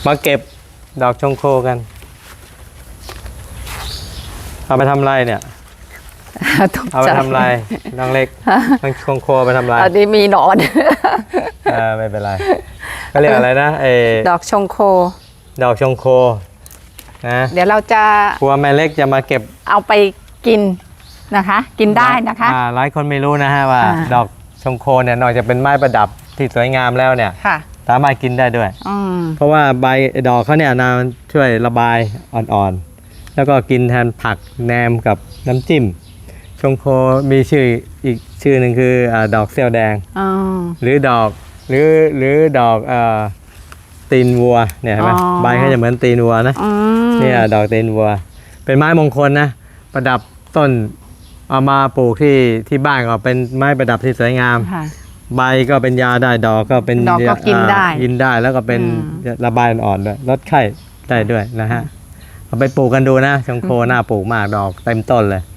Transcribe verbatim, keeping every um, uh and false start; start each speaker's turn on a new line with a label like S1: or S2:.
S1: มาเก็บดอกชงโคกันเอาไปทำไรเนี่ยเอาไปทำไรน้องเล็กน้องชงโคไปทำไร
S2: อันนี้มีหนอน
S1: เออไม่เป็นไรก็เรียกอะไรนะเอ
S2: ดอกชงโค
S1: ดอกชงโคนะ
S2: เดี๋ยวเราจะ
S1: ครัวแม่เล็กจะมาเก็บ
S2: เอาไปกินนะคะ กินได้นะคะ
S1: อ่าหลายคนไม่รู้นะฮะว่า
S2: อ่า
S1: ดอกชงโคเนี่ยนอกจากเป็นไม้ประดับที่สวยงามแล้วเนี่ย
S2: ค่ะ
S1: สามารถกินได้ด้วย
S2: อืม
S1: เพราะว่าใบดอกเขาเนี่ยนะมันช่วยระบายอ่อนๆแล้วก็กินแทนผักแหนมกับน้ำจิ้มชงโคมีชื่ออีกชื่อหนึ่งคืออาดอกเซี่ยวแดง
S2: อ๋อ
S1: หรือดอกหรือหรือดอกเอ่อตีนวัวเนี่ยเห็นไหม
S2: อ๋อ
S1: ใบเขาจะเหมือนตีนวัวนะ
S2: อืม
S1: เนี่ยดอกตีนวัว เป็นไม้มงคลนะประดับต้นเอามาปลูกที่ที่บ้านก็เป็นไม้ประดับที่สวยงาม
S2: ค่ะ
S1: ใบก็เป็นยาได้ดอกก็เป็น
S2: ดอกก็กินได้
S1: อ่ากินได้แล้วก็เป็น
S2: อืม
S1: ระบายอ่อนๆด้วยลดไข้ได้ด้วยนะฮะเอาไปปลูกกันดูนะชงโคน่าปลูกมากดอกเต็มต้นเลย